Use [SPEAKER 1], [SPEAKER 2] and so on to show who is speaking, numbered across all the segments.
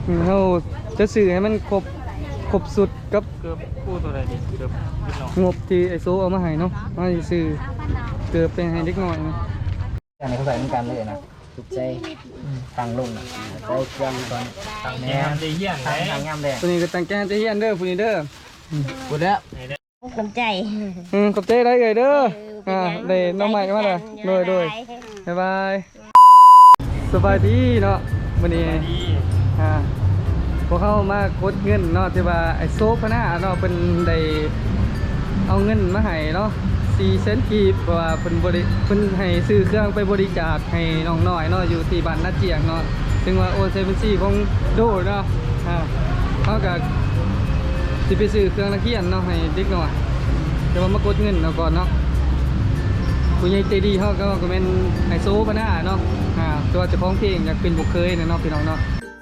[SPEAKER 1] เราจะสื่อให้มันครบสุดกับ
[SPEAKER 2] เกือบคู่ตัวใดดิเกือบนิดหน่อย
[SPEAKER 1] งบที่ไอโซเอามาให้เนาะมาสื่อเกือบเป็นให้เล็กน้อยนะ
[SPEAKER 3] อันนี้เขาใส่เหมือนกันเลยนะถูกใจตังลงนะใส่เครื่องก่อนตังแหนม
[SPEAKER 2] ตีเหี้ยนไหน
[SPEAKER 3] ตังงามแดง
[SPEAKER 1] ตัวนี้ก็ตั้งแกนจะเฮียนเด้อผู้นี้เด้อ
[SPEAKER 3] พูดแล้ว
[SPEAKER 4] กำใจ
[SPEAKER 1] ขอบใจได้เลยเด้อได้น้องใหม่มาเลยโดยบ๊ายบายสบายดีเนาะวันนี้พวกเขามากดเงินเนาะที่ว่าไอโซฟนะเนาะเป็นได้เอาเงินมาให้เนาะ400,000 กีบเพราะว่าเป็นให้ซื้อเครื่องไปบริจาคให้น้องน้อยเนาะอยู่ที่บ้านนาเจียงเนาะซึ่งว่าโอเซเว่นซีของโดเนาะเขากับที่ไปซื้อเครื่องนักเรียนเนาะให้เด็กน้อยแต่ว่ามากดเงินเนาะก่อนเนาะผู้ใหญ่ใจดีเขาก็เป็นไฮโซปะนะเนาะตัวเจ้าของเพลงอยากเป็นบุคเคยเนาะพี่น้องเนาะ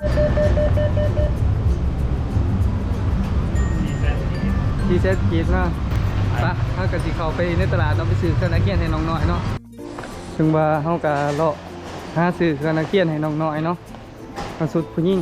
[SPEAKER 1] ที่เซตกีดเนาะปะเขากับสิเขาไปในตลาดเนาะไปซื้อเครื่องนักเรียนให้น้องน้อยเนาะถึงว่าเขากับเลาะหาซื้อเครื่องนักเรียนให้น้องน้อยเนาะสุดผู้หญิง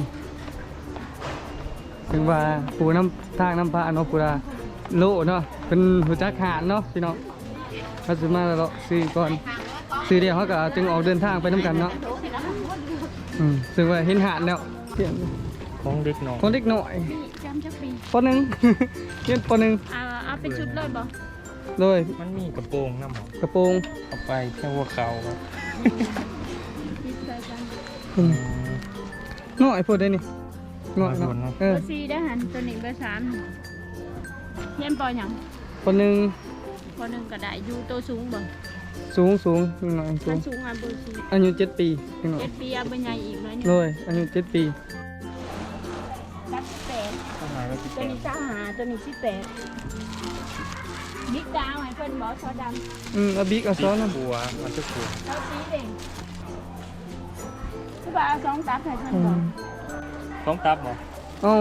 [SPEAKER 1] ถึงว่าปูน้ำทางน้ำพระเนาะปูดาโลเนาะเป็นหัวจักหานเนาะพี่น้องเขาซื้อมาแล้วซื้อก่อนซื้อเดียวเขาก็จึงออกเดินทางไปน้ำกันเนาะซึ่งว่าเห็นหานแล้ว
[SPEAKER 2] ของเด็กน้อย
[SPEAKER 1] คนเด็กหน่อย
[SPEAKER 4] จำจักปี
[SPEAKER 1] ปหนึ่งเรียนปหนึ่ง
[SPEAKER 4] เอาเป็นชุดเลยบ่
[SPEAKER 1] เลย
[SPEAKER 2] มันมีกระโปรงน้ำหอม
[SPEAKER 1] กระโปรง
[SPEAKER 2] เอาไปแค่หัวเข่าครับ
[SPEAKER 1] หน่อยพูดได้นี่หน่อยเนาะ
[SPEAKER 4] เบอร์4ได้หันตัวนี้เบอร์3เรียนปหยัง
[SPEAKER 1] ปหนึ่ง
[SPEAKER 4] ก็ได้อยู่โตสูงบ่
[SPEAKER 1] สูงหน่อยสูง
[SPEAKER 4] สูงเบอร์4
[SPEAKER 1] อายุ7 ปีหน่อย
[SPEAKER 4] 7 ปีเอาเบอร์ใหญ่อีกหน่อยนึง
[SPEAKER 1] เลยอายุ7 ปี
[SPEAKER 4] ตัวนี้25ตัวนี้18บิ๊กดาวให้เพิ่นบ่ซอดำ
[SPEAKER 1] เอาบิ๊กเอาซ้อนนะ
[SPEAKER 2] บัวมันจะขวด
[SPEAKER 4] เอาสีเด้งคือว่าเอา2ตับให้เพิ่นบ่
[SPEAKER 2] ต้องตับบ่
[SPEAKER 1] เอา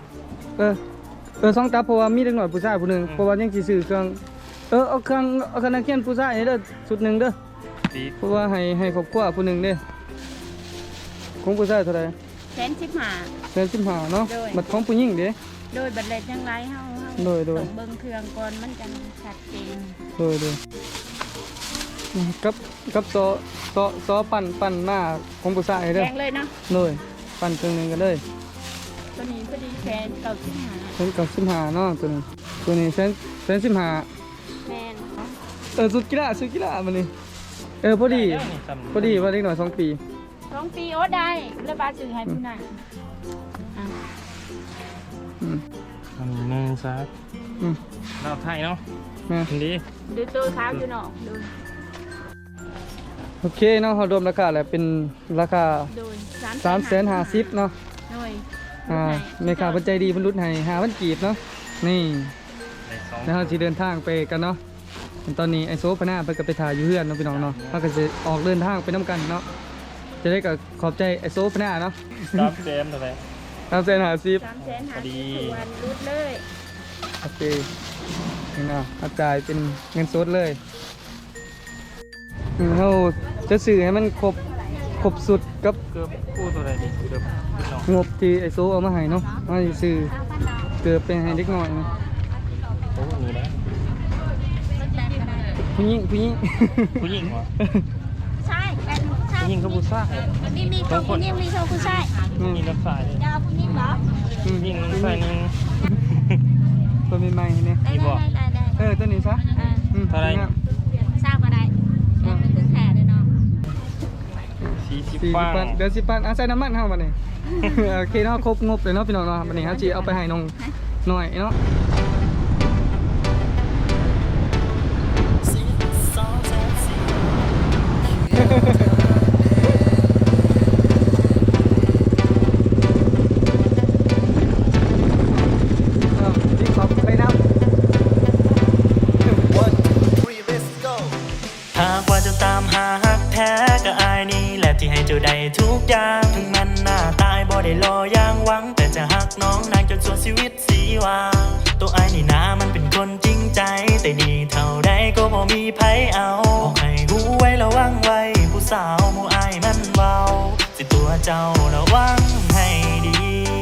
[SPEAKER 1] 2 ตับเพราะว่ามีเด็กหน่อยผู้ชายผู้หนึ่งเพราะว่ายังสิซื้อเครื่องเอาเครื่องนักเรียนผู้ชายเด้อชุดหนึ่งเด้อเพราะว่าให้ครอบครัวผู้หนึ่งเด้อของผู้ชายเท่าไหร่115เนาะบัตรของผู้หญิงเด้
[SPEAKER 4] โดยบัตรเลขจังไรเฮา
[SPEAKER 1] โดย
[SPEAKER 4] เบิ่งเครื่องก่อนมันจังชัดเจน
[SPEAKER 1] โดยกับซอปั่นหน้าของผู้ชายเด้อ
[SPEAKER 4] แข็งเลยเนาะ
[SPEAKER 1] โดยปั่นเครื่องนึงกันเลย
[SPEAKER 4] ตัวนี้พอดีแฟน
[SPEAKER 1] 95เนาะตัวนี้แฟน15
[SPEAKER 4] แม่น
[SPEAKER 1] สุดกีฬามันนี่พอดีว่าเด็กหน่อย2 ปี
[SPEAKER 4] 2 ปีโอ้ได้แล้วบาซื้อให้ผู้นั้น
[SPEAKER 2] อันนี้ซักเราไทยเนาะดี
[SPEAKER 4] ดูตัวขาวอยู่เนาะดู
[SPEAKER 1] โอเคเนาะเขารวมราคาแล้วเป็นราคา350,000เนาะในค่าปัจจัยดีบรรลุให้5,000 กีบเนาะนี่แล้วเราจะเดินทางไปกันเนาะตอนนี้ไอโซพนาไปกับไปถ่ายอยู่เพื่อนเนาะพี่น้องเนาะเราก็จะออกเดินทางไปน้ำกันเนาะจะได้กับขอบใจไอโซพนาเนาะ
[SPEAKER 2] 300,000เท่าไหร่
[SPEAKER 1] 350,000
[SPEAKER 4] พอดีวันรุดเลย
[SPEAKER 1] โอเคนี่เนาะจ่ายเป็นเงินสดเลยเราจะสื่อให้มันครบสุดกับ
[SPEAKER 2] เกือบคู่ตัวใดดิเกือบนิดหน่อย
[SPEAKER 1] งบที่ไอโซเอามาให้เนาะมาสื่อเกือบเป็นให้เล็กน้อยนะ
[SPEAKER 2] โอ้มีแล้ว
[SPEAKER 1] ผู้หญิง
[SPEAKER 2] เหรอ
[SPEAKER 4] ใช่
[SPEAKER 2] ผู้หญิงก็ผู้ชาย
[SPEAKER 4] นี่มีเขาผู้หญิงมีเขาผู้ชาย
[SPEAKER 2] มีรถไฟเลย
[SPEAKER 4] จะเอาผู้หญิงเหรอ
[SPEAKER 2] ผู้หญิงรถไฟนึง
[SPEAKER 1] ตัวใหม่ๆเนี่ย
[SPEAKER 4] ได้
[SPEAKER 1] ตัวนี้ซะ
[SPEAKER 2] เท่าไร
[SPEAKER 4] ทราบอะไรเป็นตึ้งแผ่เลยเนาะ
[SPEAKER 2] 40
[SPEAKER 1] เดี๋ยว10 บาทใส่น้ำมันเข้ามาเนี่ยโอเคเนาะครบงบเลยเนาะพี่น้องเนาะวันนี้ครับจีเอาไปให้น้องหน่อยเนาะ
[SPEAKER 5] หากว่าจะตามหาฮักแท้ก็อายนี่แหละที่ให้เจ้าได้ทุกอย่างถึงมันหน้าตายบ่ได้รออย่างหวังแต่จะฮักน้องนางจนส่วนชีวิตสีวาตัวอายนี่นามันเป็นคนจริงใจแต่ดีเท่าใดก็บ่มีไผเอาบอกให้หูไว้ระวังไว้ผู้สาวหมู่อายมันเบาสิตัวเจ้าระวังให้ดี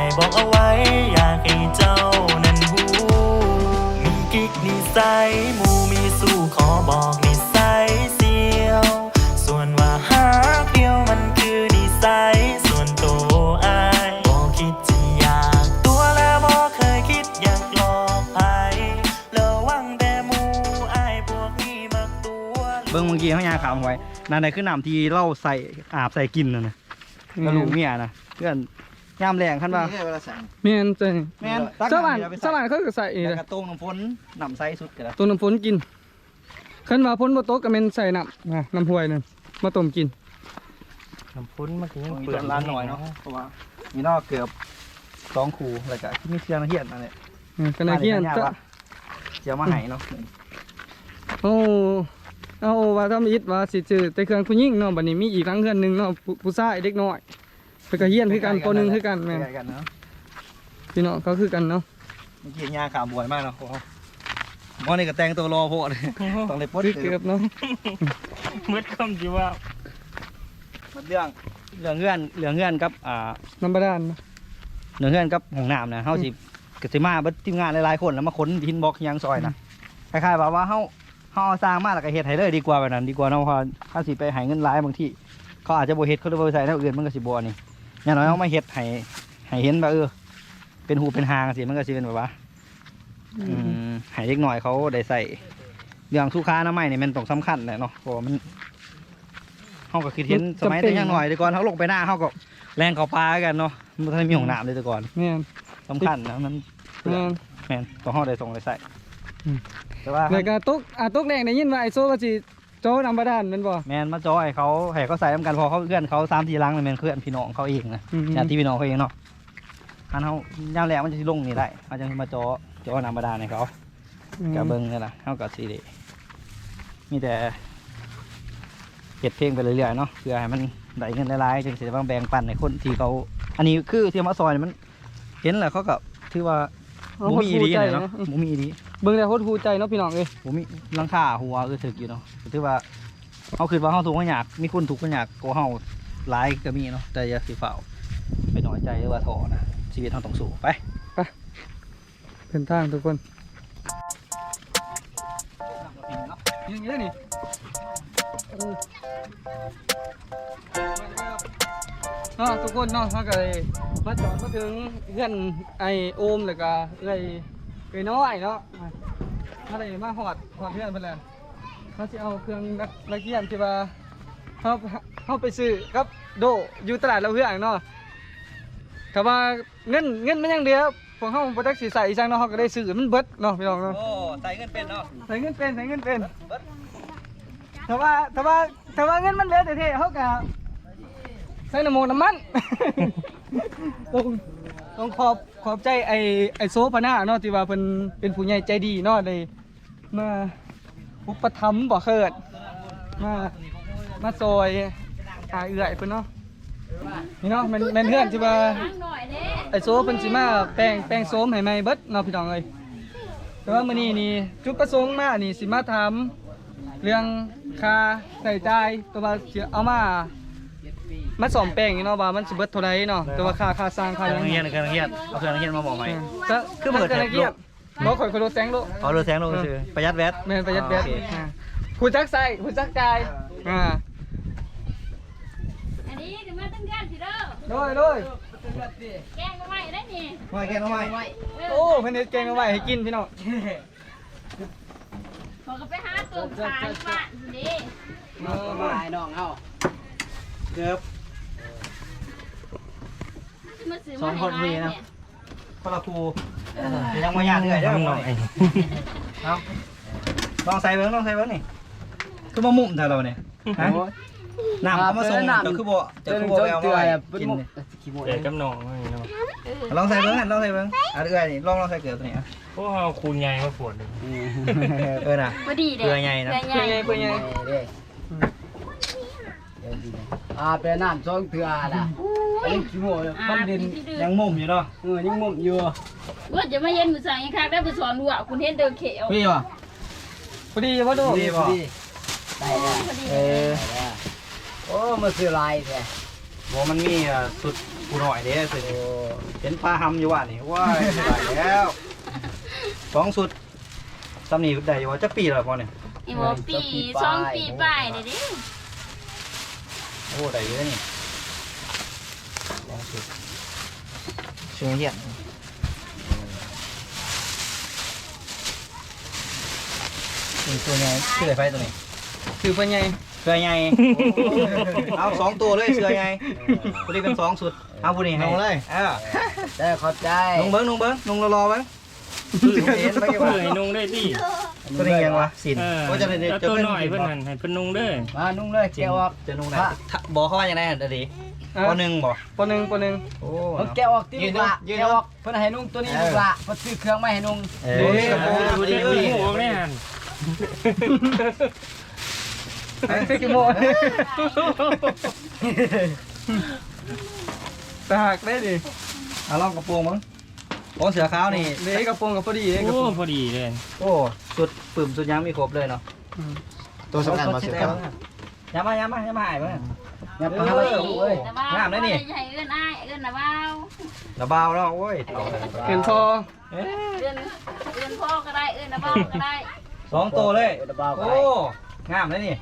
[SPEAKER 5] บอกเอาไว้อยากให้เจ้านั้นรู้มีกิ๊กนิสัยหมู่มีสู้ขอบอกนิสัยเสียวส่วนว่าหากเดียวมันคือนิสัยส่วนตัวอายบอกคิดจะอยากตัวและบอกเคยคิดอยากหลอกใครระวังแต่หมู่อายพวกนี้มักตัว
[SPEAKER 1] เบิ่งเมื่อกี้เขายาขาวไว้นั่นใดคือน้ำที่เล่าใส่อาบใส่กินน่ะนะกระลูกเมียนะเพื่อนยามแรงคันว่า
[SPEAKER 3] นี่เวลาสั่ง
[SPEAKER 1] แม่นใส่แม่นสว่าน
[SPEAKER 3] ตักน้ำเดี๋ยวไปใส่
[SPEAKER 1] สว่านเขาก็ใส่
[SPEAKER 3] แล้วก็ต้มน้ำฝนน้ำใสสุดก็ได้
[SPEAKER 1] ตัวน้ำฝนกินคันว่าฝนบ่ตกก็แม่นใส่น้ำห้วยนั่นมาต้มกิน
[SPEAKER 2] น้ำพุ้นเมื่อกี้ยัง
[SPEAKER 3] มี
[SPEAKER 2] เปลื
[SPEAKER 3] เปิ
[SPEAKER 2] อก
[SPEAKER 3] ดร้านหน่อยเนาะเพราะว่ามีนอกเกือบ2คู่แล้วก็ที่มีเชียงเฮียนนั่นแหละ
[SPEAKER 1] ก็น่าเกลียด
[SPEAKER 3] จะ
[SPEAKER 1] จะ
[SPEAKER 3] เดี๋ยวมาให้เนาะ
[SPEAKER 1] โอ้เอาว่าทำอิฐว่าสิซื้อแต่เครื่องผู้หญิงเนาะบัดนี้มีอีกหลังเฮือนหนึงเนาะผู้ชายเด็กน้อยเพิ่นก็เฮียนคือกันป .1 คือกันแม่น
[SPEAKER 3] ใกล้กันเนาะ
[SPEAKER 1] พี่น้องเขาคือกันเนาะ
[SPEAKER 3] เมื่อกี้ยาขาวบวยมากเนาะมอนี่ก็แต่งตัวรอโพดต้องเลยปลด
[SPEAKER 1] คือเกือบเนาะ
[SPEAKER 2] มืดคำจีว่า
[SPEAKER 3] เรื่องเงื่อนกับ
[SPEAKER 1] น้ำบาดาลเนาะ
[SPEAKER 3] เงื่อนกับห้องน้ำนะเฮาสิกสิมาเบิดทีมงานหลายๆคนแล้วมาขนทินบล็อกยังซอยนะคล้ายๆว่าเฮาสร้างมาแล้วก็เฮ็ดให้เลยดีกว่าแบบนั้นดีกว่าเนาะเพราะถ้าสิไปให้เงินหลายบางทีเขาอาจจะบ่เฮ็ดเขาเลยบ่ใส่แนวอื่นมันก็สิบ่นี่อย่างน้อยเฮามาเฮ็ดให้เห็นว่าเป็นหูเป็นหางสิมันก็สิเป็นแบบว่าให้เล็กน้อยเขาได้ใส่เรื่องสุขาอนามัยนี่มันต้องสำคัญแหละเนาะเพราะมันเฮาก็คือเห็นสมัยแต่ยังน้อยแต่ก่อนเฮาลงไปหน้าเฮาก็แรงเข้าป่ากันเนาะมันบ่ทันมีห้องน้ำเลยแต่ก่อน
[SPEAKER 1] แม่น
[SPEAKER 3] สำคัญนะมัน
[SPEAKER 1] แม่น
[SPEAKER 3] แม่นต้องเฮาได้ส่งได้ใส่
[SPEAKER 1] อืม
[SPEAKER 3] แต่ว่า
[SPEAKER 1] แล้วก็ตกแรงได้ยินว่าไอ้โซว่าสิโจน้ำบาดาลแม่นบ่
[SPEAKER 3] แม่นมาจอยเขาให้เขาใส่น้ำกันพอเขาเพื่อนเขา3-4ลังเลยแม่นเพื่อนพี่น้องเขาเองนะญาติพี่น้องเขาเองเนาะอันเฮายามแรกมันจะสิลงนี่ได้เขาจะมาจอน้ำบาดาลให้เขากะเบิ่งนี่ล่ะเฮาก็สิได้มีแต่เฮ็ดเพลงไปเรื่อยๆเนาะเพื่อให้มันได้เงินหลายๆจึงสิได้มาแบ่งปันให้คนที่เขาอันนี้คือที่มาซอยนี่มันเห็นแล้วเขาก็ถือว่าบ่มีอีหลีเนาะบ่มีอีหลี
[SPEAKER 1] เบิ่งแล้วโคตรฮู้ใจเนาะพี่น้องเอ้ย
[SPEAKER 3] ผมมีหลังคาหัวถึกอยู่เนาะถือว่าเขาคิดว่าเขาถูกข์เขาอยากมีคนถูกข์เขาอยากกว่าเขาหลายก็มีเนาะแต่อย่าสิฝ่าไปน้อยใจหรือว่าท้อนะชีวิตเราต้องสู้ไป
[SPEAKER 1] เป็นทางทุกคนยังเยอะนี่ทุกคนเนาะเขาก็เลยมาจอดมาถึงเพื่อนไอโอมแล้วก็เลยน้อยเนาะมาเลยมาหอดเพื่อนเพื่อนเลยเขาจะเอาเครื่องนักเรียนที่ว่าเขาไปซื้อครับโดอยู่ตลาดเราเพื่อนเนาะแต่ว่าเงินมันยังเดียวพวกเขาโปรดักสีใส่จังเนาะเขาก็ได้ซื้อมันเบิดเนาะพี่น้องเนาะ
[SPEAKER 3] โอ้ใส่เงินเป็นเนาะ
[SPEAKER 1] ใส่เงินเป็นแต่ว่าเงินมันเหลือแต่เท่เขาก็ใส่น้ำมัน ต้องขอบใจไอโซพนาเนาะที่ว่าเป็นผู้ใหญ่ใจดีเนาะได้มาอุปถัมภ์บ่เคิดมาซอยเอื้อยเพิ่นเนาะนี่เนาะแม่นเพื่อนที่ว่าไอโซเพิ่นสิมาแป้งโซมให้ใหม่เบิดเนาะพี่น้องเอ้ยแต่ว่ามื้อนี้นี่จุดประสงค์มานี่สิมาถามเรื่องค่าใช้จ่ายตัวว่าสิเอามาซ่อมแป้งนี่เนาะว่ามันสิเบิดเท่าใดเนาะแต่ว่าค่าสร้างค่า
[SPEAKER 3] เค
[SPEAKER 1] ห
[SPEAKER 3] รื่
[SPEAKER 1] ยั
[SPEAKER 3] อง งเฮียนเอาเครื่องเฮียนมาบอกใหม่
[SPEAKER 1] ก็คือเปิดแสงโลกบ่ข่อยรถแสงโลก
[SPEAKER 3] เอาเรือแสงลงซื้อประหยัดแวด
[SPEAKER 1] แม่นประหยัดแบต
[SPEAKER 3] โอเค
[SPEAKER 1] ผู้จักใส่ผู้จักจ่าย
[SPEAKER 4] อันนี้ถึงมาตั้งกันสิเด้อ
[SPEAKER 1] โดย
[SPEAKER 4] แกงมาใหม่ได้นี่
[SPEAKER 3] ไม่แค่น้องไม่
[SPEAKER 1] โอ้เพิ่นเฮ็ดแกงเอาไว้ให้กินพี่น้อง
[SPEAKER 4] ขอก็ไปหาตัวขายบ้านสิ
[SPEAKER 3] น้องเอาเกือบ
[SPEAKER 4] มาซื้อมาให้ร้านเนี่ย
[SPEAKER 3] คนละครูยังไม่ยากเลยเด้อ
[SPEAKER 2] หน่อย
[SPEAKER 3] เอาลองใส่เบิ้งนี่คือมามุ่มเท่าเราเนี่ยฮะน้ำเขามาส่งจะคือบ่เอามาไว้กิน
[SPEAKER 2] เดี๋ยวกำหนองนี่เนาะ
[SPEAKER 3] ลองใส่เบิ้งลองใส่เบิ้งอ่ะเอื้อยนี่ลองใส่เกลือตัวนี้อ่ะ
[SPEAKER 2] พวกเราคูณใหญ่มาปวดเลย
[SPEAKER 3] น่ะ
[SPEAKER 4] พอดีเด้
[SPEAKER 3] เกลือใหญ่นะ
[SPEAKER 4] เกลือใหญ่
[SPEAKER 1] เพิ่นไง
[SPEAKER 6] เป็นน้ำซองเถื่อล่ะอันนี้ขี้โม่มันดิน
[SPEAKER 3] ยังมุ่มอยู่เนาะ
[SPEAKER 6] ยังมุมอยู่
[SPEAKER 4] ว่าจะมาเย็นมือสั่งยังคักได้ไปสอนหัวคุณเห็นเดินเขียว
[SPEAKER 3] พี่วะ
[SPEAKER 1] พอดีบ่ดู
[SPEAKER 3] พี่บ่
[SPEAKER 6] ได้แล้ว
[SPEAKER 4] พอดี
[SPEAKER 3] เออ
[SPEAKER 6] โอ้มาซื้อลายแท้
[SPEAKER 3] ว่ามันมีสุดผู้หน่อยเด้สิเห็นปลาหำอยู่ว่านี่ว้ายได้แล้ว2สุดตำหนิได้อยู่ว่าจะปีแล้วพอเนี่ย
[SPEAKER 4] อีหมอปี2 ปีไปเลยดิ
[SPEAKER 3] โอ้ได้เยอะนี่2สุด
[SPEAKER 6] เชื่อเหี้ย
[SPEAKER 3] นี่ตัวไงชื่ออะไรไฟตัวนี้
[SPEAKER 1] คือเป็นไง
[SPEAKER 3] เสือไงเอา2ตัวเลยเสือไงพอดีเป็น2สุดเอาผู้นี้ให้เลย
[SPEAKER 6] ได้เข้าใจ
[SPEAKER 3] นุ่งเบิ้งนุ่งรอเบิ้งเห็นไปกี่
[SPEAKER 2] เพื่
[SPEAKER 3] วัน
[SPEAKER 2] อให้นุ่งได้ดิ
[SPEAKER 3] ตัวนี้ยังวะสิน
[SPEAKER 2] ก็จะตัวหน่อยเพื่อนหันให้เพื่อนนุ่งเด้อ
[SPEAKER 6] มานุ่งเลยแกะออก
[SPEAKER 3] จะนุ่งไหนบอกเขาว่าอย่างไรเดี๋ยวดิปหนึ่งบอก
[SPEAKER 1] ปหนึ่ง
[SPEAKER 3] โอ้
[SPEAKER 6] มันแกะออกที่ลูกละแกะออกเพิ่นให้นุ่งตัวนี้ลูกละเพิ่นซื้อเครื่องมาให้นุ่ง
[SPEAKER 3] ดูดิ
[SPEAKER 2] ดูดิดูดิหัวไม่หัน
[SPEAKER 1] เป็นกี่โมงตาหักได้ดิ
[SPEAKER 3] เอาลองกระโปรงมั้งโอ้เสือขาวนี่
[SPEAKER 1] เด็กกระโปรงกับพอดีเด็กกระ
[SPEAKER 2] โอ้
[SPEAKER 1] โปรง
[SPEAKER 2] พอดีเลย
[SPEAKER 3] โอ้สุดปึ่มสุดยังมีครบเลยเนาะ
[SPEAKER 6] ตัวสำคัญมาเสือขาว
[SPEAKER 3] ย้ำมาหายมั้ง
[SPEAKER 6] อย่าไปหาลูกเอ้ย
[SPEAKER 4] งามเลยนี่ใหญ่เอื้อนอ้ายเอื้อนนะบ้าว
[SPEAKER 3] ระเบาแล้วโอ้ย
[SPEAKER 1] เห็นพอ
[SPEAKER 4] เอื้อนพ่อก็ได้เอื้อนนะบ้าวก็ได้
[SPEAKER 3] 2ตัวเลย
[SPEAKER 6] เบาๆไป
[SPEAKER 3] โอ้งามเลยนี่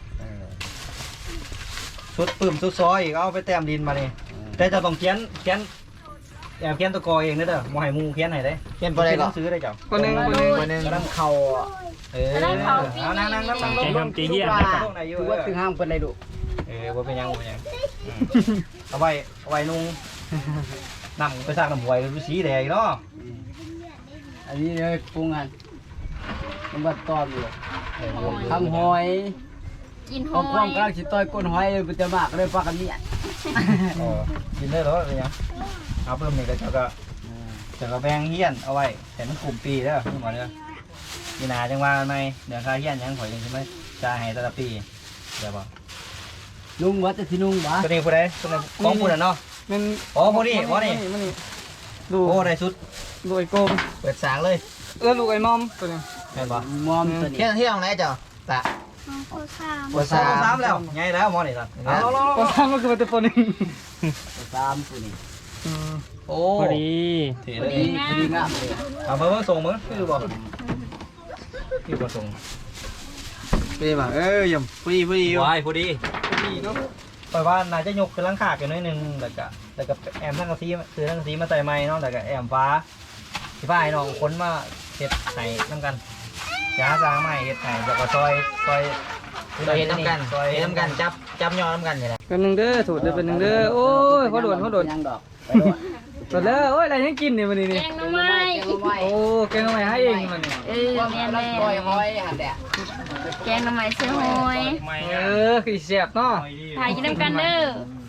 [SPEAKER 3] สุดปึ่มสุดซอยอีกเอาไปแต้มดินมานี่แต่จะต้องเขียนแอบเขียนตัวกอเองเด้อมอให้มูเขียนให้ได้
[SPEAKER 6] เขียนบ่ได้หรอ
[SPEAKER 3] ซื้อได้เจ้า
[SPEAKER 1] ปหนึ่ง
[SPEAKER 6] กำลังเข้า
[SPEAKER 3] เอานั่ง
[SPEAKER 2] ใจทำตีเหี้ย
[SPEAKER 6] ถือว่าถึงห้างเพิ่นได้ลูก
[SPEAKER 3] ว่าเป็นยังเอาไว้นุ่งนำไปสร้างน้ำหวยเป็นสีแดงเนาะ
[SPEAKER 6] อันนี้เลยปรุงอันมันบัดตอบอยู่ทำหอย
[SPEAKER 4] กินห
[SPEAKER 6] เอา
[SPEAKER 4] อ
[SPEAKER 6] ความ
[SPEAKER 4] ย
[SPEAKER 6] กำลังสิต้อยก้นหอยมันจะมากเลยปากกันเนี่ย
[SPEAKER 3] กินได้แล้วเป็นยังเอาเพิ่มนี่ก็จะแบ่งเฮี้ยนเอาไว้แต่มันกลุ่มปีแล้วนี่หมดเลยปีหนาจังว่าไหมเดี๋ยวค่าเฮี้ยนยังข่อยยังใช่ไหมจะให้แต่ละปีเดี๋ยวบอก
[SPEAKER 6] นุ่งวัดจะสินุ่งวะ
[SPEAKER 3] ตัวนี้ผู้ใดตัวนี้ของผู้นั้นเนาะ
[SPEAKER 1] มัน
[SPEAKER 3] อ๋อผู้นี้ดู
[SPEAKER 1] ดู
[SPEAKER 3] โอ้ได้สุด
[SPEAKER 1] ดูไอ้โกม
[SPEAKER 3] เปิดสางเลย
[SPEAKER 1] แล้วลูกไอ้มอมตัวนี้
[SPEAKER 3] เห็นปะ
[SPEAKER 6] มอมตัวนี้
[SPEAKER 7] เที่ยงไหนจ้ะตะ
[SPEAKER 3] เปิดสามแล้วไงแล้วมอนี่ล่ะ
[SPEAKER 1] ปอสามก็คือเป็นปหนึ่ง
[SPEAKER 6] สามตัวนี้
[SPEAKER 3] โอ้
[SPEAKER 2] พอดี
[SPEAKER 3] เถีย
[SPEAKER 6] พอดีพอดีงามเลย
[SPEAKER 3] เอาเพิ่มส่งมั้งคือบ่คือบ่ส่ง
[SPEAKER 7] ไปบ่ยำผู้ดี
[SPEAKER 3] วายพอดีปล่อยว่าน่าจะยกขึ้นหลังคากันหน่อยนึงแล้วก็แอมทั้งกะซีซื้อทั้งกะซีมาใส่ไม้เนาะแล้วก็แอมฟ้าที่ฟ้าให้น้องคนมาเฮ็ดให้นำกันจ้าสร้างไม้เฮ็ดให้แล้วก็ซอย
[SPEAKER 7] เห็นน้ำกันเห็นน้ำกันจับยอน้ำกันนี่แหละ
[SPEAKER 1] เป็นหนึ่งเด้อถูดเด้อเป็นหนึ่งเด้อโอ้ยเขาโดน
[SPEAKER 6] ยังดอกไปโดด
[SPEAKER 1] โดนแล้วโอ้ยอะไรยังกินเนี่ยวันนี้
[SPEAKER 4] แก
[SPEAKER 1] นี่
[SPEAKER 4] งหน่อไม้
[SPEAKER 1] โอ้แกงทำไมให้เองมันเนี่ย
[SPEAKER 4] แม่
[SPEAKER 6] ปล่อยหอยหันแดด
[SPEAKER 4] แกงหน่อไม้เสื้อหอย
[SPEAKER 2] ไม่
[SPEAKER 1] คือเสียบเนาะ
[SPEAKER 4] ถ่ายกินน้ำกันเด้อ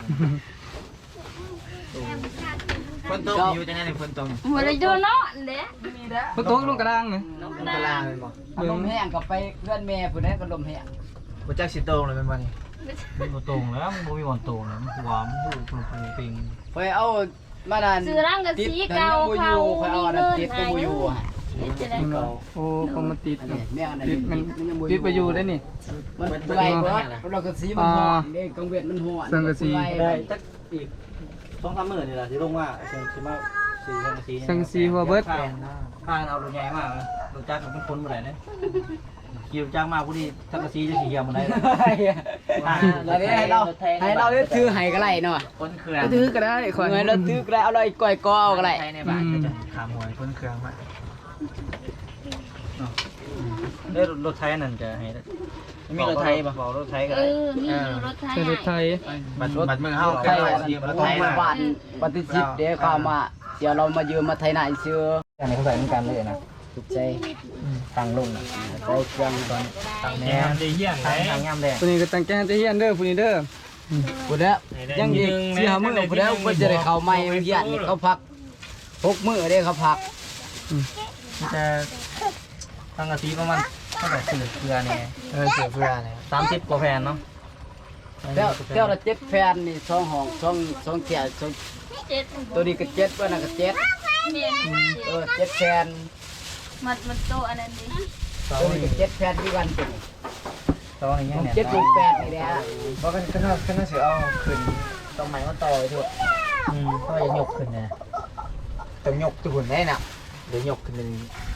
[SPEAKER 7] ฝนตกอยู่จังไงฝนตก
[SPEAKER 4] หัวเลยโดนเนาะเด้
[SPEAKER 1] มันโต๊ะลงกระด้างเนี่ย
[SPEAKER 7] มันกลางเป็นบ่
[SPEAKER 6] ลมแห้งกับไปเพื่อนแม่ผู้นั้นก็ลมแห้ง
[SPEAKER 7] บ่จักสิโตเลยเป็นบ่นี่
[SPEAKER 3] มันบ่ตรงแล้วมันบ่มีวันตรงแล้วมันหัวมันหูปิง
[SPEAKER 6] ไปเอามาดัน
[SPEAKER 4] ซื้อร่างกับสีเก่า
[SPEAKER 6] คอยเอาอันนั้นติดก็บ่อยู่ฮะ
[SPEAKER 4] จะได้
[SPEAKER 1] โอ้ก็มันติด
[SPEAKER 6] อันนี้แม่อันนั้น
[SPEAKER 1] ติดมันติดไปอยู่ได้นี่
[SPEAKER 6] มันเปื่อยเบิดเราก็สีมันฮ้อนเด้กังเวทมันฮ้อน
[SPEAKER 3] ได้จักอีก2-3มื้อนี่ล่ะสิลงมาสิมาสีสังกะสี
[SPEAKER 1] สังสีหัวเบิด
[SPEAKER 3] ข้างเอารถใหญ่มากรถจักรมันคนบ่ได้เด้ขี่รถจักรมาผู้นี้สังกะสีจะสิเหี่ยวบ่ได้
[SPEAKER 6] แล้วนี่ให้เราได้ถือให้ก็ได้เนาะ
[SPEAKER 7] ฝนเครื่อง
[SPEAKER 1] ถือก็ได้คอย
[SPEAKER 6] เงินเราถือก็ได้เอาเลยก้อยก็เอาก็ได้
[SPEAKER 7] ใช้ในบ้านก็จะขามหวยฝนเครื่องมา
[SPEAKER 3] ได้รถไทยนั่นจะให้มีรถไทยป่ะบอกรถไทยก็
[SPEAKER 4] เอ
[SPEAKER 3] ได้
[SPEAKER 4] อมีรถไทย
[SPEAKER 1] เป็นรถไทย
[SPEAKER 7] บัดมือเฮา
[SPEAKER 6] ไทยบ้านปฏิทินเดี๋ยวเข้ามาเดี๋ยวเรามายืมมาไทยหน้าเชื่อ
[SPEAKER 3] อันนี้เขาใส่เหมือนกันเลยนะ
[SPEAKER 6] ถูกใจ
[SPEAKER 3] ตั้งลงนะ
[SPEAKER 6] ใส่เครื่องก่อน
[SPEAKER 3] ตั้ง
[SPEAKER 2] แห
[SPEAKER 3] แน
[SPEAKER 2] น
[SPEAKER 3] ว
[SPEAKER 2] มได้เหี้ยนไหน
[SPEAKER 3] ตั้งงามแดง
[SPEAKER 1] ตัวนี้ก็ตั้งแกงจะเฮียนเด้อผู้นี้เด้อ
[SPEAKER 6] ผู้แล้วยังอีก4-5มื้อผู้แล้วเพิ่นจะได้เข้าใหม่เฮียนนี่เขาพัก6มื้อเด้เขาพัก
[SPEAKER 3] จะตั้งกะทิประมาณเท่าไหร่เสือเนี่ย
[SPEAKER 7] เสือเพื่อเนี่ย
[SPEAKER 3] 30กว่าแผ่นเนาะ
[SPEAKER 6] เดี๋ยวละ7แผ่นนี่2ห้อง2เที่ย
[SPEAKER 4] เจ็ด
[SPEAKER 6] ตัวนี้ก็7เพิ่นน่ะก็7
[SPEAKER 4] เมียน
[SPEAKER 6] 7แผ่น
[SPEAKER 4] มันโตอันนั้นดิ
[SPEAKER 6] ตัวนี้ก็7แผ่นที่กันตัวนี้
[SPEAKER 3] ตอนนี้ยังเนี่ย
[SPEAKER 6] 7 8นี่แหละ
[SPEAKER 7] เพราะกันขนาดเสือเอาขึ้นต้องใหม่มาต่อไปเถอะต้องอย่ายกขึ้นนะต้องยกทุกคนได้น่ะเดี๋ยวยกขึ้นเลย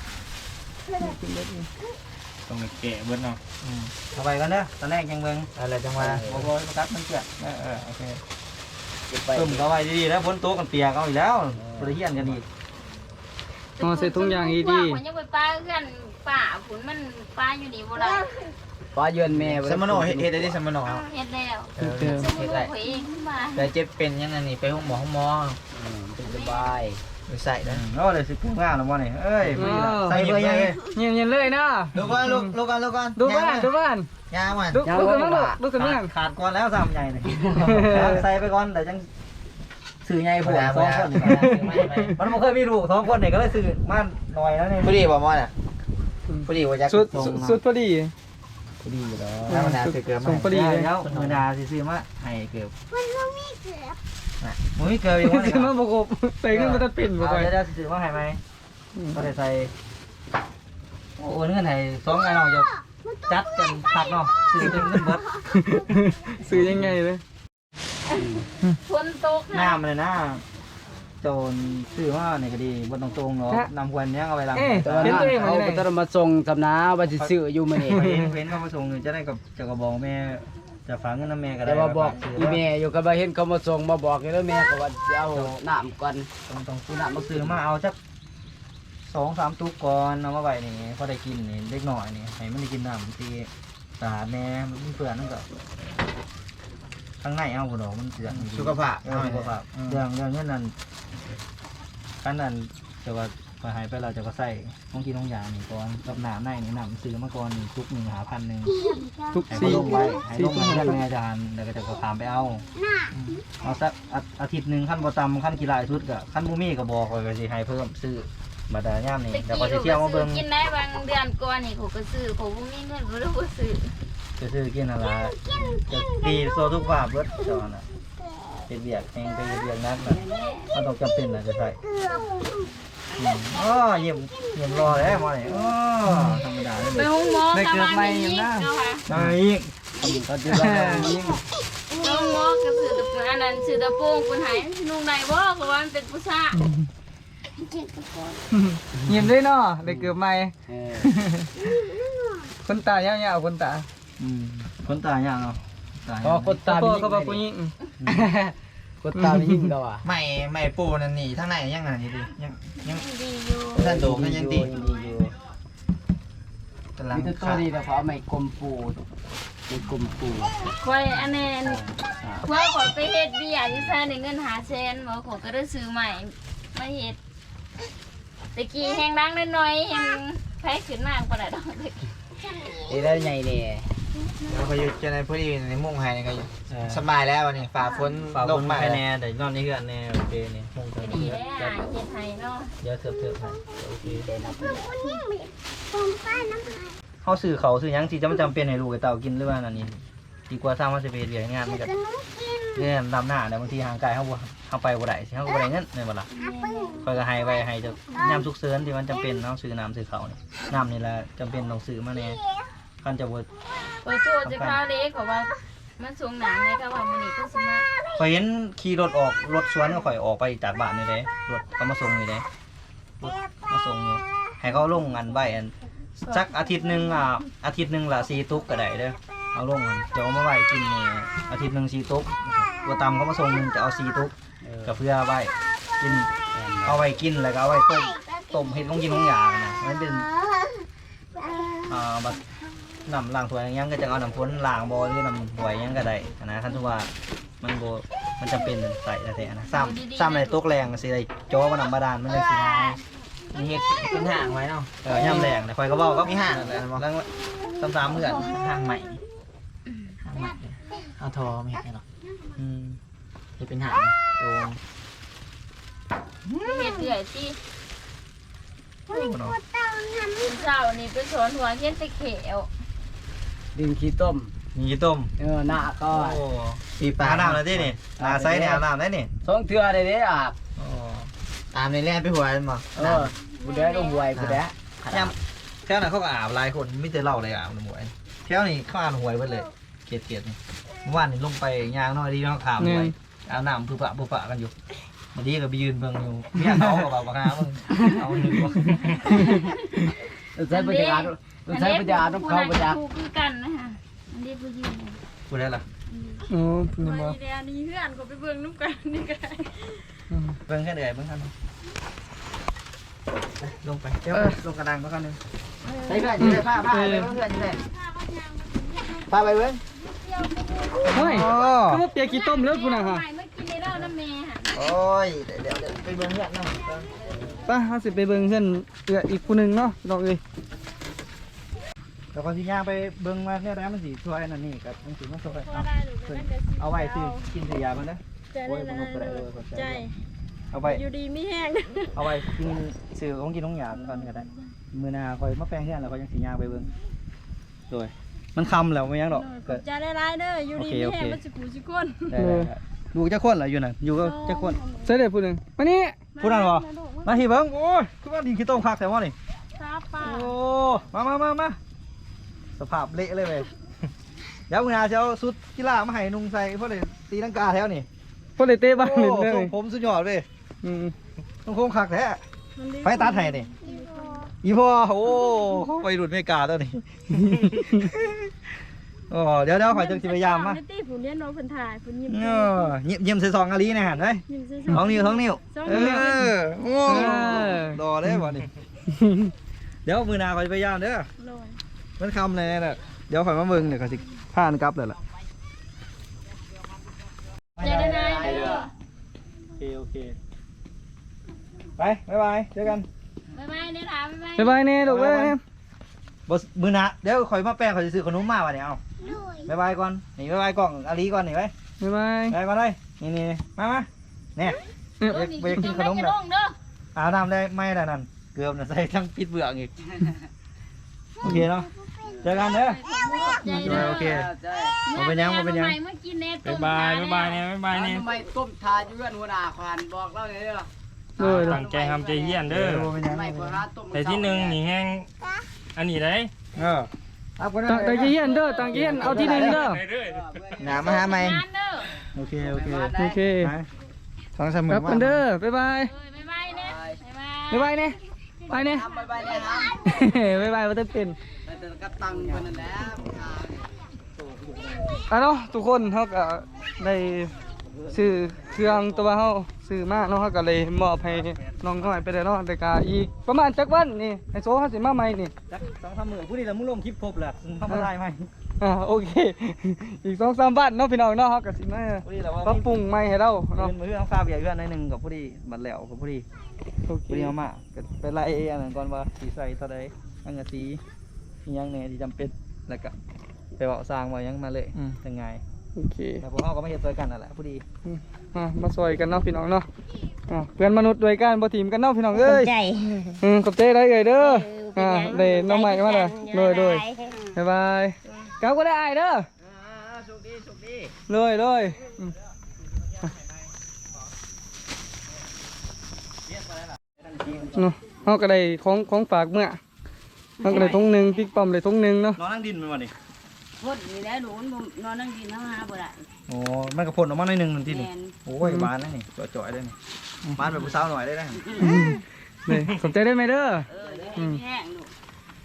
[SPEAKER 2] ต้องแกะเบิดเนาะ
[SPEAKER 3] เอาไปกันเด้อตอนแรกยังเบิ่ง
[SPEAKER 7] อะไรจังหวะ
[SPEAKER 3] บ่บ่ประกัดมันเปียกโอเค
[SPEAKER 7] ไป
[SPEAKER 3] ตึมก็ไว้ดีๆแล้วฝนตกกันเปียกเอาอีกแล้วบ่ได้เฮียนกันอีก
[SPEAKER 1] อ๋อใส่ถุงยางอี
[SPEAKER 4] ดี
[SPEAKER 1] ดี
[SPEAKER 4] มันยังไปปลาเพื่อนป่าผุนมันปลาอยู่นี่บ่ได้
[SPEAKER 6] ป้าเยือนแม่
[SPEAKER 7] สมโนเฮ็ดได้สมโน
[SPEAKER 4] เฮ็ดแล้ว
[SPEAKER 1] เติม
[SPEAKER 4] สมุนไพรเองขึ้นมา
[SPEAKER 7] แต่เจ็บเป็นยังไงนี่ไปห้องหมอ
[SPEAKER 6] เป็นสบาย
[SPEAKER 7] ไปใส่นะ
[SPEAKER 3] โอ้เลยสิพุ่งงานแล้วบ่นี่เอ้ยบ่ได้ใส่เบอร์ยัง
[SPEAKER 1] เงียบๆเลยนะ
[SPEAKER 7] ลูกก่อนลูกก่อน
[SPEAKER 1] ดูบ้านดูบ้าน
[SPEAKER 7] ยางมัน
[SPEAKER 1] ดูขึ้นมาดูขึ้นมา
[SPEAKER 3] ขาดก่อนแล้ว3ใหญ่นี่ใส่ไปก่อนแต่จังซื้อใหญ่ผัว2คนนี่มันบ่เคยมีลูก2คนนี่ก็เลยซื้อมาหน่อยแล้วนี่
[SPEAKER 7] พอดีบ่มอน่ะพอดีว่าจะ
[SPEAKER 1] สุดพอดี
[SPEAKER 3] ดีอยู่แล้ว
[SPEAKER 7] ธรรมดาสิเกิด
[SPEAKER 1] ส่งพอดีเลย
[SPEAKER 3] แล้วธรรมดาสิซื้อมาให้เกือบมันบ่มีเกือบบ่มีเกือบอยู่บ่นี่
[SPEAKER 1] ซื้อมาประกบใส่ขึ้นมาตัดปิ่นบ่ไป
[SPEAKER 3] เดี๋ยวซื้อมาให้ไหมก็ได้ใส่โอ้เงินให้2ไงเนาะจะจัดกันคักเนาะซื้อจนเงินเบิด
[SPEAKER 1] ซื้อยังไงเลย
[SPEAKER 4] ฝนตก
[SPEAKER 3] น้ำเลยนะโจรซื้อมาเนี่ยก็ดีบ่ต้องตรงเนาะนำควันเนี้ยเอาไปล้าง
[SPEAKER 6] แต่ว่าเขาก็ต้องมาส่งทำนาว่าสิซื้ออยู่มื้อนี้
[SPEAKER 3] เว้นเขามาส่งจะได้กับจะกระบอกแม่จะฝากเงินน้ำแม่ก็ได้
[SPEAKER 6] แต่ว่าบอกอีแม่อยู่ก็บ่เห็นเขามาส่งมาบอกอยู่แล้วแม่ก็ว่าสิเอาน้ำก่อน
[SPEAKER 3] ต้องซื้อน้ำมาซื้อมาเอาจัก2-3 ตุ๊กก่อนเอามาไว้นี่พอได้กินนี่เล็กหน่อยนี่ให้มันได้กินน้ำทีสะอาดแน่มันเปื่อนนั่นก็ข้างในเอาพุ่นดอกมันเปื่อน
[SPEAKER 7] สุขภาพ
[SPEAKER 3] สุขภาพเรื่องเงินนั้นขั้นนั้นแต่ว่าพอหายไปเราจะก็ใส่ต้องกินต้องยานี่ก่อนกับน้ำในนี่น้ำซื้อมาก่อนนี่ทุก1 หา1,000
[SPEAKER 1] ทุก
[SPEAKER 3] ให้
[SPEAKER 1] สี่
[SPEAKER 3] ลงไว้ให้ลงมาเพื่อนแม่จานแล้วก็จะก็ถามไปเอาเอาสักอาทิตย์หนึ่งขั้นบ่ตำขั้นกีฬาชุดก็ขั้นมูมี่ก็บอกก็สิให้เพิ่มซื้อมาแต่ย่ามนี่
[SPEAKER 4] ตะ
[SPEAKER 3] แล้ว
[SPEAKER 4] กี้
[SPEAKER 3] ก็สิ
[SPEAKER 4] ก็
[SPEAKER 3] เที่ยวมาเบิ่ง
[SPEAKER 4] กินได้บางเดือนก่อนนี่เขาก็ซื้อเขาบ่มีเงินบ่ได้บ่ซื้อ
[SPEAKER 3] จะซื้อกินอะไรจะดีโซทุกภาพเบิดจอน่ะเป็นเบียกเองไปเบียกนักน่ะมันต้องจำเป็นน่ะจะใส่อ๋อเยี่ยมรอแล้วมาเนี่ยอ๋อธรรมดาเลย
[SPEAKER 4] ไปห้องหมอกับบ้านนี่เนาะค่ะ
[SPEAKER 3] มาอีก
[SPEAKER 6] ก็สิว่ายิ่ง
[SPEAKER 4] ห้องหมอก็ซื้อตะปูอันนั้นซื้อตะโปงคนหายนุ่งได้บ่ก็ว่ามันเป็นผู้ชาย
[SPEAKER 1] เงียบเลยเนาะได้เกือบใหม่
[SPEAKER 6] เออ
[SPEAKER 1] คนตายาวๆคนตา
[SPEAKER 3] คนตายยากเนาะตาย
[SPEAKER 6] พอคนตา
[SPEAKER 1] พ่อ
[SPEAKER 6] มี
[SPEAKER 1] ก็บอกผู้หญิง
[SPEAKER 6] คนตามียิ่งก็ว่า
[SPEAKER 7] ไม่ปูนั่นนี่ทั้งในยังไงนี่ดิยัง
[SPEAKER 4] ดีอยู่
[SPEAKER 7] ท่านโดก็ยังดี
[SPEAKER 6] ดีอยู่
[SPEAKER 7] กำลัง
[SPEAKER 6] มีแต่ตัวนี้แต่เขาเอาไม้กลมปูเป็นกลมปู
[SPEAKER 4] คอยอันนั้นคอยขอไปเฮ็ดเบี้ยอยู่ซ่าได้เงิน500,000บ่ขอก็ได้ซื้อใหม่มาเฮ็ดตะกี้แฮงดังน้อยๆแฮงไผขึ้นมาบ่ได้ดอกตะกี้
[SPEAKER 6] ได้ใหญ่เนี่ย
[SPEAKER 7] เราพยุจะในพอดีในมุ่งไห้นี่ก็สบายแล้ววันนี้ฝ่าฝน
[SPEAKER 3] ฝาก
[SPEAKER 7] ล
[SPEAKER 3] ล
[SPEAKER 7] ง
[SPEAKER 3] ง
[SPEAKER 7] มา
[SPEAKER 3] มาแน่แต่นอนนี่คือแน่โอเคนี่คงจะ
[SPEAKER 4] ดีแล้วเฮ็ดให้เนาะ
[SPEAKER 3] เดี๋ยวเถิบให้โอเคเขาซื้อเขาซื้อหยังที่จำเป็นให้ลูกกับเต่ากินหรือว่าอันนี้ดีกว่าสร้างมาสิเป็นเรียนงานมันก็เนี่ยดำหน้าแต่บางทีห่างไกลเขาไปบ่ได้สิเขาก็บ่ได้เงินในบ่ล่ะคอยก็ให้ไว้ให้จะยามทุกเสริญที่มันจำเป็นเนาะซื้อน้ำซื้อเขานี่น้ำนี่แหละจำเป็นต้องซื้อมาแน่คันจะบ่
[SPEAKER 4] ขอโทษจะข้าวเล็กขอว่ามันสูงหนังเลยค่ะว่ามื้อนี้ก็สิมา
[SPEAKER 3] ข่อยเห็นขี่รถออกรถสวนก็ข่อยออกไปจากบ้านนี่เด้รถเขามาส่งนี่เด้รถมาส่งอยู่ให้เขาลงอันใบอันสักอาทิตย์หนึงละ4 ตุ๊กก็ได้เด้อเอาลงอันจะเอามาไว้กินนี่อาทิตย์หนึง4 ตุ๊กตัวตำเขามาส่งนึงจะเอา4 ตุ๊กก็เพื่อไว้กินเอาไว้กินแล้วก็เอาไว้ต้มเฮ็ดลงกินลงยานะมันเป็นบัดน้ำล้างถ้วยยังก็จะเอาน้ำพ้นล้างบ่หรือน้ำหวยยังก็ได้นะคันที่ว่ามันบ่มันจำเป็นใส่แท้ๆนะซ้ำในตกแรงสิได้จ่อว่าน้ำบาดาลมันจังสิหาย
[SPEAKER 7] มีเห็ดเป็นห่างไว้เนาะ
[SPEAKER 3] ย่ำแรงนะข่อยก็บอกก็
[SPEAKER 7] มีห่าง
[SPEAKER 3] แล้วซ้ำๆเหมือน
[SPEAKER 7] ห่างใหม่ห่างใหม่เอาทอไม่เห็ดหรอก
[SPEAKER 3] อืม
[SPEAKER 7] จะเป็นห่างโดน
[SPEAKER 4] เฮ็ดเอื่อยสิ
[SPEAKER 3] เนาะ
[SPEAKER 4] เช้านี่ไปสอนหัวเฮ็ดตะเขว
[SPEAKER 6] ดินขี้ต้ม
[SPEAKER 3] มีต้ม
[SPEAKER 6] หน้าก็
[SPEAKER 3] โอ้
[SPEAKER 7] ปีปลา
[SPEAKER 3] อาบน้ำแล้วที่นี่นาไซเนี่ยอาบน้ำได้นี่
[SPEAKER 6] สองเทื่อได้เด้อาบ
[SPEAKER 3] โอ้
[SPEAKER 7] ตามในแร่ไปหัวมันบ่
[SPEAKER 6] ผู้ใดลงหวยผู้ใด
[SPEAKER 3] ย่ำแถวนั้นเขาก็อาบหลายคนไม่เจอเหล่าเลยอาบน้ำหวยแถวนี้เขาอาบหวยไปเลยเกลียดนี่เมื่อวานนี่ลงไปยางน้อยดีน้องขามหวยอาบน้ำผู้ปะกันอยู่บางทีก็ไปยืนเบิ่งอยู่เมียเขาก็บอกว่ามึงเอาหนึ่งวะ
[SPEAKER 6] ใช้ปัญญาใช้ปัญญาต้องเข้าปัญญา
[SPEAKER 4] คู่คือกันนะฮะอันนี้ผู้ยืน
[SPEAKER 3] พูดได้ล่ะ
[SPEAKER 1] โอ้เพิ่นบ่
[SPEAKER 8] เดี๋ยวนี้เพื่อนก็ไปเบิ่งน้ำกันนี่ก็ได้
[SPEAKER 3] เบิ่งแค่เดือยเบิ่งกันลงไปเดี๋ยวลงกระดังมากันนึงใส่เพื่อนอยู่ได้ผ้าไปเพื่อนอยู่ได้ผ้าไปเบิ่ง
[SPEAKER 1] เฮ้ยคือว่าเปียกขี้ต้มเลิกพุ่นน่ะฮะ
[SPEAKER 4] ใหม่เมื่อกี้ในเราน้ำเมย์ค่ะ
[SPEAKER 3] โอ้ยเดี๋ยวไปเบิ่งเพื่อนน้อง
[SPEAKER 1] ไปเฮาสิไปเบิ่งเพิ่นอีกผู้หนึงเนาะน้องเอ้ย
[SPEAKER 3] แล้วก็สิย่างไปเบิ่งมาเนี่ยนะมันสิช่วยนั่นนี่กับมันสิมาช่วย
[SPEAKER 8] พอได้หรือไม่ได้
[SPEAKER 3] เอาไว้ซื้อกินซื้อยามันนะ
[SPEAKER 8] ใจได้ใจ
[SPEAKER 3] เอาไว้
[SPEAKER 8] อยู่ดีไม่แห้ง
[SPEAKER 3] เอาไว้กินซื้อของกินของหยาก่อนก็ได้มื้อหน้าค่อยมาแปลงเฮือนแล้วค่อยจังสิย่างไปเบิ่งโดยมันคำแล้วไม่ยังดอกก็
[SPEAKER 8] ใจได้ร้ายเด้ออยู่ดีไม่แห้งมันสิกูสิก้น
[SPEAKER 3] ได้ดูจักคนล่ะอยู่น่ะอยู่ก็จักคน
[SPEAKER 1] ใส่ได้ผู้หนึงมานี่
[SPEAKER 3] ผู้นั้นบ่มาที่เบิ่งโอ้ยคือว่าดินขี้ต้มคักแต่ว่านี่
[SPEAKER 8] ซาปลา
[SPEAKER 3] โอ้มาสภาพเละเลยเว้ยเดี๋ยวมื้อหน้าจะเอาชุดกีฬามาให้นุ่งใส่เพราะเลยตีลังกาแถวนี่
[SPEAKER 1] บ่ได้เตะบ้าน
[SPEAKER 3] โอ้
[SPEAKER 1] เล่นเด้อ
[SPEAKER 3] ทรงผมสุดยอดเว้ย
[SPEAKER 1] อืม
[SPEAKER 3] ต้องโค้งคักแท้ไปตัดให้นี่อีพ่อโอ้ไปรุ่นอเมริกาตัวนี้ โอ้เดี๋ยวข่อยจังสิพยายามมา
[SPEAKER 8] ในตี้ผู้เลี้ยงน้องเพิ่นถ่ายเพิ่นยิ้ม
[SPEAKER 3] เยี่ยมใส่ซองอาลีนะฮะเฮ้ย
[SPEAKER 8] ยิ้มซื่อ
[SPEAKER 3] ท้องนิ้วโอ้รอได้บ่นี่เดี๋ยวมือหนาข่อยพยายามเด้อ
[SPEAKER 8] ๆลอย
[SPEAKER 3] มันคำเลยน่ะเดี๋ยวข่อยมาเบิ่งเดี๋ยวข่อยสิผ่านกลับเลยล่ะ
[SPEAKER 4] ใจได้ไหมเด้อ
[SPEAKER 3] โอเคไปบ๊ายบายเจอกัน
[SPEAKER 4] บ๊ายบายเนี่ยถามบ๊ายบาย
[SPEAKER 1] บ๊ายบายแน่ลูกเอ้ย
[SPEAKER 3] บ่มือหนาเดี๋ยวข่อยมาแปลงข่อยสิซื้อขนมมาว่ะเนี่ยเอาบ๊ายบายก่อนนี่บ๊ายบายกล่องอาลีก่อนนี่ไว้
[SPEAKER 1] บ๊ายบาย
[SPEAKER 3] ไปก่อนเลยนี่มาเนี่ย ไปกินขนม
[SPEAKER 4] เด้
[SPEAKER 3] เด้
[SPEAKER 4] อ
[SPEAKER 3] อ
[SPEAKER 4] เด้อ
[SPEAKER 3] อาบน้ำได้ไม่ได้นั่นเกือบน่ะใส่ทั้งปิดเบือกอีกโอเคเนาะเจอกันเด้อ
[SPEAKER 4] ใจเด้อ
[SPEAKER 3] โอเค บ่เป็นหยังบ่เป็นหยัง
[SPEAKER 4] ใหม่เมื่อกี้เน็ต
[SPEAKER 2] บายเนี่ยบายเนี่ย
[SPEAKER 6] ทำไมต้มทาอยู่กันหัวหน้าควานบอกเราเลยเด้อ
[SPEAKER 1] โดย
[SPEAKER 2] ตั้งใจทำใจเยี่ยนเด้อ
[SPEAKER 3] บ่เป็นหยัง
[SPEAKER 6] ไม่พอหาต้ม
[SPEAKER 2] แต่ที่หนึ่งนี่แห้งอันนี้ได้
[SPEAKER 3] ครับคน
[SPEAKER 1] ตั้งใจเฮียนเด้อตั้งใจเฮียนเอาที่หนึ่งเด้อ
[SPEAKER 3] หนามาหาใหม่
[SPEAKER 4] งานเด้อ
[SPEAKER 3] โอเค
[SPEAKER 1] โอเค
[SPEAKER 3] สองสามหมื่
[SPEAKER 1] กลับกันเด้อบ๊ายบาย
[SPEAKER 4] เอ้ยบ๊ายบายเนี่ยบ๊ายบาย
[SPEAKER 1] บ๊ายบายเนี่ยไปเนี่ย
[SPEAKER 6] ไปเลยครับ
[SPEAKER 1] บ๊ายบายว่าจะเป็น
[SPEAKER 6] แต่กับตังค์คนนั้นแหละ
[SPEAKER 1] เนาะทุกคนเขาก็ได้ซื้อเครื่องตัวเขาซื้อมาเนาะเขาก็เลยมอบให้น้องน้อยไปเลยเนาะแต่กาอีประมาณจักวันนี่ไอโซ่เขาสิมาใหม่นี่
[SPEAKER 3] สองสามหมื่นผู้นี้เรามุ่งลงคลิปครบแหละทำอะไรไหม
[SPEAKER 1] โอเค อีก2-3วันเนาะพี่น้องเนาะเขาก็สิมา
[SPEAKER 3] ผู้นี้เราว่า
[SPEAKER 1] ปรับปรุงใหม่ให้เรา
[SPEAKER 3] เนาะ
[SPEAKER 1] เนาะ
[SPEAKER 3] มือต้องฟาเบียร์เพื่อนในหนึ่งกับผู้นี้บัดแล้วกับผู้นี้
[SPEAKER 1] โอเค
[SPEAKER 3] ผู้นี้เอามาไปไล่อันนั้นก่อนว่าสีใส่เท่าใดอันกะสียังเนี่ยที่จำเป็นแล้วก็ไปบอกสร้างมายังมาเลยยังไง
[SPEAKER 1] โอเค
[SPEAKER 3] แต่พวกเขาก็ไม่เห็นตัวกันนั่นแหละผู้ดี
[SPEAKER 1] มาซอยกันเนาะพี่น้องเนาะเพื่อนมนุษย์ด้วยกันบ่ทีมกันเนาะพี่น้องเอ้ย
[SPEAKER 4] ใจ
[SPEAKER 1] ขอบใจได้เลยเด้อได้น้องใหม่มาเลยโดยบ๊ายบายกลับก็ได้อายเด้อ
[SPEAKER 3] โชคดี
[SPEAKER 1] เลยเนาะเขาก็ได้ของฝากเมื่อเขาก็ได้ทงหนึ่งปิ๊กปอมได้ทงหนึ่งเนาะ
[SPEAKER 3] นอนนั่งดินมันวันนี้
[SPEAKER 9] พ่นนี่แหล้วหนูนอนนั่งกินน้ำหาบ่ได้
[SPEAKER 3] โอ้มันกระพ่นออกมาหน่อยหนึ่งที่นี่
[SPEAKER 9] แม่น
[SPEAKER 3] โอ้ยบานแล้วนี่จ่อยๆได้นี่บานแบบผู้สาวหน่อยได้ไหม
[SPEAKER 1] เลยสนใจได้ไหมเด้อ
[SPEAKER 9] เดี๋ยวให้แห้งลูก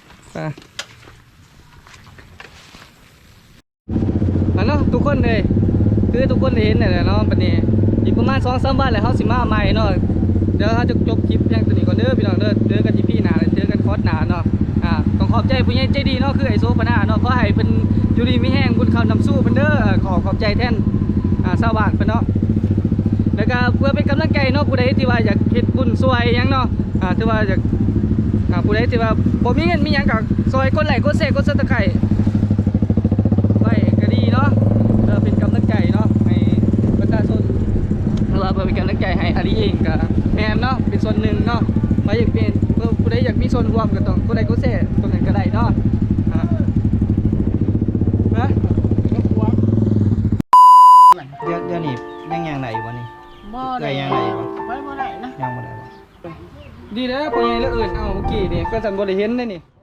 [SPEAKER 1] เนาะทุกคนเลยคือทุกคนได้เห็นแหละเนาะปันนี้อีกประมาณ2-3วันแล้วเขาสิมาใหม่เนาะเดี๋ยวเขาจะจบคลิปเพียงตัวนี้ก่อนเด้อพี่น้องเด้อเจอกันที่พี่หนาเจอกันคอร์สหนาเนาะต้องขอบใจผู้ใหญ่ใจดีเนาะคือไอโซปนาเนาะขอให้เพิ่นอยู่ดีมีแห้งบุญคำนำสู้เพิ่นเด้อขอบใจแทนชาวบ้านเพิ่นเนาะแล้วก็เพื่อเป็นกำลังใจเนาะผู้ใดที่ว่าอยากเฮ็ดบุญช่วยหยังเนาะที่ว่าอยากผู้ใดที่ว่าบ่มีเงินมีหยังก็ซอยกดไลค์กดแชร์กด Subscribe ไว้ก็ดีเนาะเป็นกำลังใจเนาะให้ประชาชนเราเป็นกำลังใจให้อาลีเองกับแมนเนาะเป็นส่วนหนึ่งเนาะมาอยากเป็นผู้ใดอยากมีส่วนร่วมก็ต้องผู้ใดก็เซ่ตรงนั้นก็ได้เนาะนะ
[SPEAKER 3] เดี๋ยวนี้ยังไหนวันนี้
[SPEAKER 9] บ่
[SPEAKER 3] ได้
[SPEAKER 9] ได้
[SPEAKER 3] ยังไหนวะ
[SPEAKER 9] ไปบ่ได้นะ
[SPEAKER 3] ยังบ่ได้วะ
[SPEAKER 1] ดีแล้วพอยังแล้วเอิญเอาเมื่อกี้นี่ก็สันบริเห็นได้นี่